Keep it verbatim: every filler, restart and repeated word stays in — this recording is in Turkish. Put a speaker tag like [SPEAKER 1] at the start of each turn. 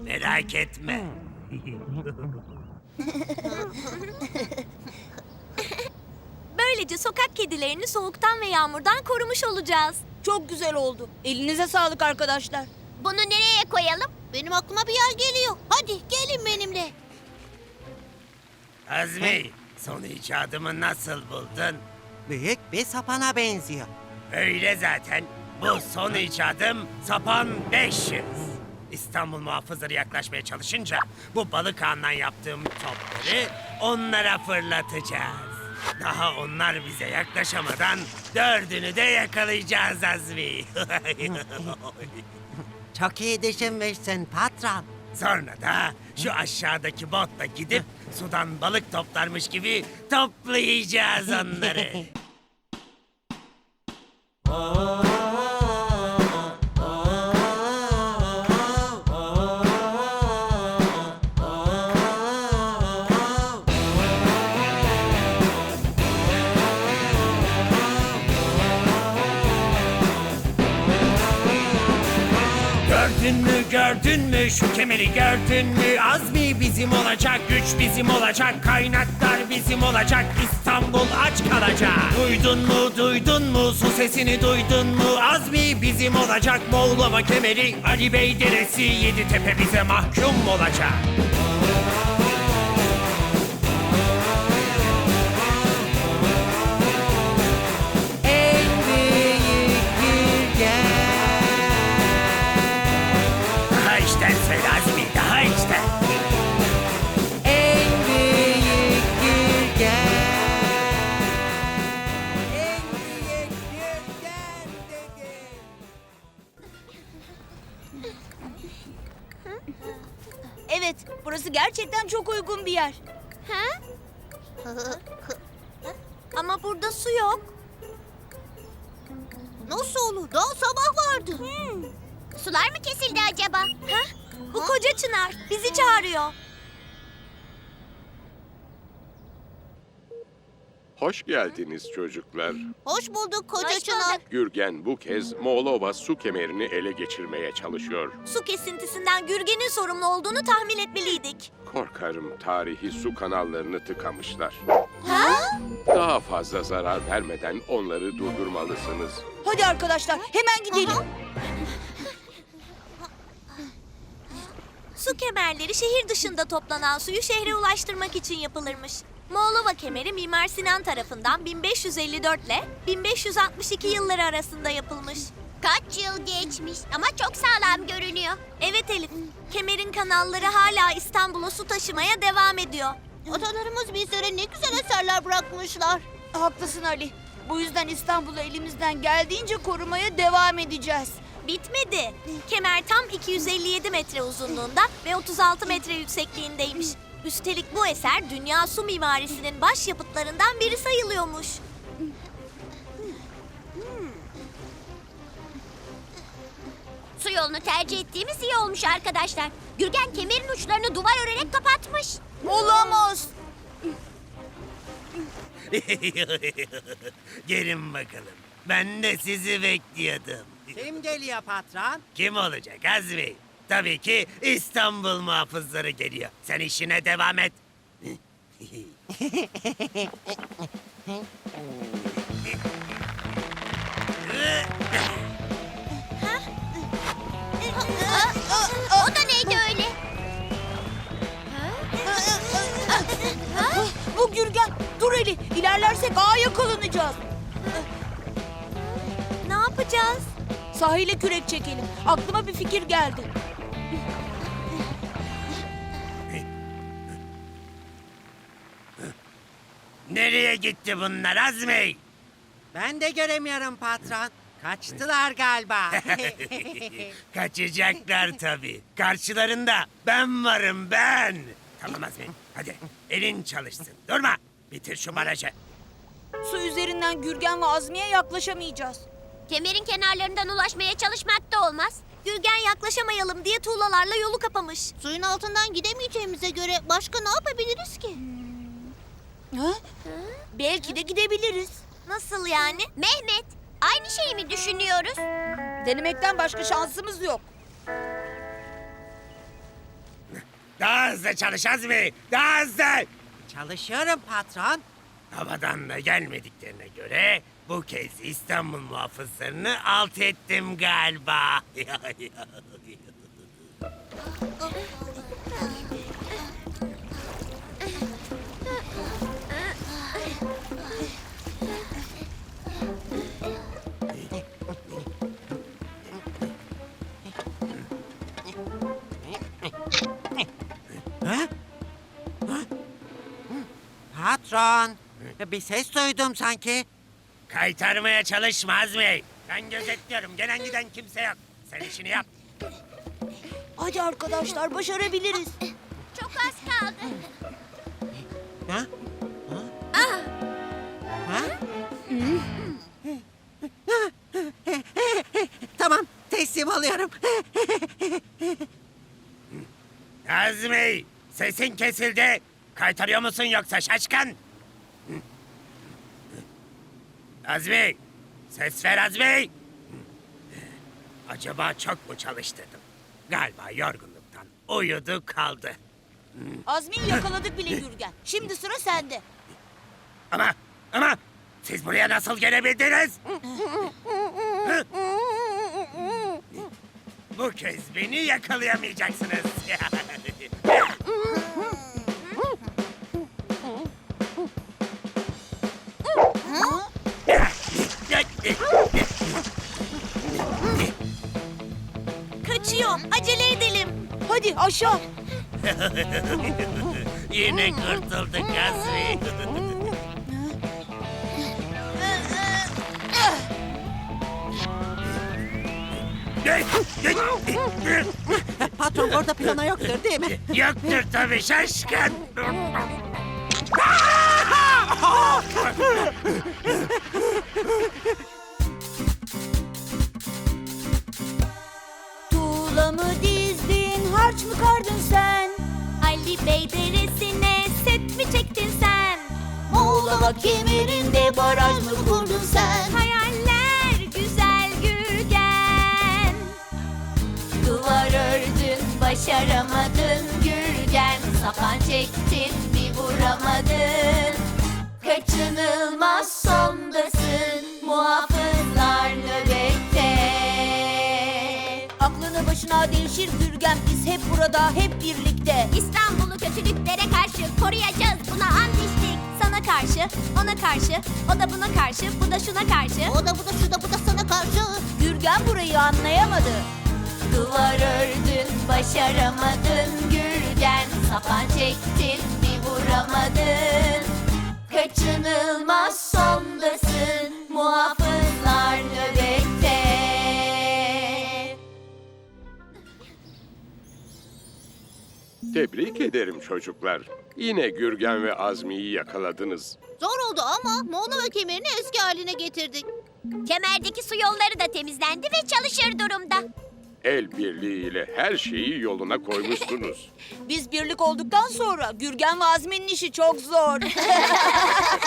[SPEAKER 1] Merak etme.
[SPEAKER 2] Böylece sokak kedilerini soğuktan ve yağmurdan korumuş olacağız.
[SPEAKER 3] Çok güzel oldu. Elinize sağlık arkadaşlar.
[SPEAKER 4] Bunu nereye koyalım? Benim aklıma bir yer geliyor. Hadi gelin benimle.
[SPEAKER 1] Azmi, son icadımı nasıl buldun?
[SPEAKER 5] Büyük bir sapana benziyor.
[SPEAKER 1] Öyle zaten. Bu son icadım Sapan beş yüz. İstanbul muhafızları yaklaşmaya çalışınca bu balık ağından yaptığım topları onlara fırlatacağız. Daha onlar bize yaklaşamadan dördünü de yakalayacağız Azmi.
[SPEAKER 5] Çok iyi düşünmüşsün patron.
[SPEAKER 1] Sonra da şu aşağıdaki botla gidip sudan balık toplarmış gibi toplayacağız onları. Gördün mü gördün mü şu kemeri gördün mü? Azmi bizim olacak, güç bizim olacak, kaynaklar bizim olacak, İstanbul aç kalacak. Duydun mu duydun mu su sesini duydun mu? Azmi bizim olacak, Moğlova kemeri, Ali Bey deresi, Yeditepe bize mahkum olacak.
[SPEAKER 5] En büyük gürgen.
[SPEAKER 1] Daha içten söyle Azmi, daha içten.
[SPEAKER 5] En büyük gürgen. En büyük gürgen dedim.
[SPEAKER 3] Evet, burası gerçekten çok uygun bir yer.
[SPEAKER 4] Ha?
[SPEAKER 2] Ama burada su yok.
[SPEAKER 4] Nasıl olur? Daha sabah vardı. Sular mı kesildi acaba?
[SPEAKER 2] Hah, bu koca çınar bizi çağırıyor.
[SPEAKER 6] Hoş geldiniz çocuklar.
[SPEAKER 4] Hoş bulduk koca
[SPEAKER 2] Hoş
[SPEAKER 4] çınar.
[SPEAKER 2] bulduk.
[SPEAKER 6] Gürgen bu kez Moğlova su kemerini ele geçirmeye çalışıyor.
[SPEAKER 2] Su kesintisinden Gürgen'in sorumlu olduğunu tahmin etmeliydik.
[SPEAKER 6] Korkarım tarihi su kanallarını tıkamışlar.
[SPEAKER 2] Ha?
[SPEAKER 6] Daha fazla zarar vermeden onları durdurmalısınız.
[SPEAKER 3] Hadi arkadaşlar, hemen gidelim.
[SPEAKER 2] Su kemerleri şehir dışında toplanan suyu şehre ulaştırmak için yapılırmış. Moğlova kemeri Mimar Sinan tarafından bin beş yüz elli dört ile bin beş yüz altmış iki yılları arasında yapılmış.
[SPEAKER 4] Kaç yıl geçmiş ama çok sağlam görünüyor.
[SPEAKER 2] Evet Elif, kemerin kanalları hala İstanbul'a su taşımaya devam ediyor.
[SPEAKER 4] Atalarımız bizlere ne güzel eserler bırakmışlar.
[SPEAKER 3] Haklısın Ali. Bu yüzden İstanbul'u elimizden geldiğince korumaya devam edeceğiz.
[SPEAKER 2] Bitmedi. Kemer tam iki yüz elli yedi metre uzunluğunda ve otuz altı metre yüksekliğindeymiş. Üstelik bu eser dünya su mimarisinin başyapıtlarından biri sayılıyormuş.
[SPEAKER 4] Su yolunu tercih ettiğimiz iyi olmuş arkadaşlar. Gürgen kemerin uçlarını duvar örerek kapatmış.
[SPEAKER 3] Olamaz.
[SPEAKER 1] Gelin bakalım. Ben de sizi bekliyordum.
[SPEAKER 5] Kim geliyor patron?
[SPEAKER 1] Kim olacak Azmi? Tabii ki İstanbul muhafızları geliyor. Sen işine devam et.
[SPEAKER 4] O da neydi öyle?
[SPEAKER 3] Bu Gürgen. Dur Ali, ilerlersek ağa yakalanacağız.
[SPEAKER 2] Ne yapacağız?
[SPEAKER 3] Sahile kürek çekelim. Aklıma bir fikir geldi.
[SPEAKER 1] Nereye gitti bunlar Azmi?
[SPEAKER 5] Ben de göremiyorum patron. Kaçtılar galiba.
[SPEAKER 1] Kaçacaklar tabii. Karşılarında ben varım ben. Tamam Azmi, hadi elin çalışsın. Durma, bitir şu barajı.
[SPEAKER 3] Su üzerinden Gürgen ve Azmi'ye yaklaşamayacağız.
[SPEAKER 4] Kemerin kenarlarından ulaşmaya çalışmak da olmaz.
[SPEAKER 2] Gürgen yaklaşamayalım diye tuğlalarla yolu kapamış.
[SPEAKER 4] Suyun altından gidemeyeceğimize göre başka ne yapabiliriz ki?
[SPEAKER 3] Ha? Belki de gidebiliriz.
[SPEAKER 2] Nasıl yani?
[SPEAKER 4] Mehmet, aynı şeyi mi düşünüyoruz?
[SPEAKER 3] Denemekten başka şansımız yok.
[SPEAKER 1] Daha hızlı çalış Azmi. Daha hızlı.
[SPEAKER 5] Çalışıyorum patron.
[SPEAKER 1] Havadan da gelmediklerine göre bu kez İstanbul muhafızlarını alt ettim galiba.
[SPEAKER 5] Patron. Bir ses duydum sanki.
[SPEAKER 1] Kaytarmaya çalışma Azmi. Ben gözetliyorum. Gelen giden kimse yok. Sen işini yap.
[SPEAKER 3] Hadi arkadaşlar başarabiliriz.
[SPEAKER 4] Çok az kaldı.
[SPEAKER 5] Ha? Ha? Ha? Tamam, teslim oluyorum.
[SPEAKER 1] Azmi, sesin kesildi. Kaytarıyor musun yoksa şaşkın? Azmi, ses ver Azmi. Acaba çok mu çalıştırdım? Galiba yorgunluktan uyudu kaldı.
[SPEAKER 3] Azmi'yi yakaladık bile Gürgen. Şimdi sıra sende.
[SPEAKER 1] Ama, ama siz buraya nasıl gelebildiniz? Hı? Bu kez beni yakalayamayacaksınız.
[SPEAKER 2] Kaçıyor. Acele edelim.
[SPEAKER 3] Hadi aşağı.
[SPEAKER 1] Yine kurtulduk Azmi.
[SPEAKER 5] Patron orada plana yoktur değil mi?
[SPEAKER 1] Yoktur tabii şaşkın.
[SPEAKER 3] Tuğla mı dizdin, harç mı kardın sen?
[SPEAKER 2] Ali Bey deresine set mi çektin sen?
[SPEAKER 3] Muğlama kemerinde baraj mı kurdun sen?
[SPEAKER 2] Hayaller güzel Gürgen.
[SPEAKER 7] Duvar ördün, başaramadın Gürgen. Sapan çektin, bir vuramadın. Kaçınılmaz sondasın, muhafızlar nöbette.
[SPEAKER 3] Aklını başına devşir Gürgen, biz hep burada, hep birlikte.
[SPEAKER 4] İstanbul'u kötülüklere karşı koruyacağız. Buna ant içtik.
[SPEAKER 2] Sana karşı, ona karşı, o da buna karşı, bu da şuna karşı.
[SPEAKER 4] O da bu da şu da bu da sana karşı.
[SPEAKER 3] Gürgen burayı anlayamadı.
[SPEAKER 7] Duvar ördün, başaramadın Gürgen. Sapan çektin, bir vuramadın. Kaçınılmaz sondasın, muhafızlar nöbette.
[SPEAKER 6] Tebrik ederim çocuklar. Yine Gürgen ve Azmi'yi yakaladınız.
[SPEAKER 4] Zor oldu ama Moğolova kemerini eski haline getirdik. Kemerdeki su yolları da temizlendi ve çalışır durumda.
[SPEAKER 6] El birliğiyle her şeyi yoluna koymuşsunuz.
[SPEAKER 3] Biz birlik olduktan sonra Gürgen ve Azmi'nin işi çok zor.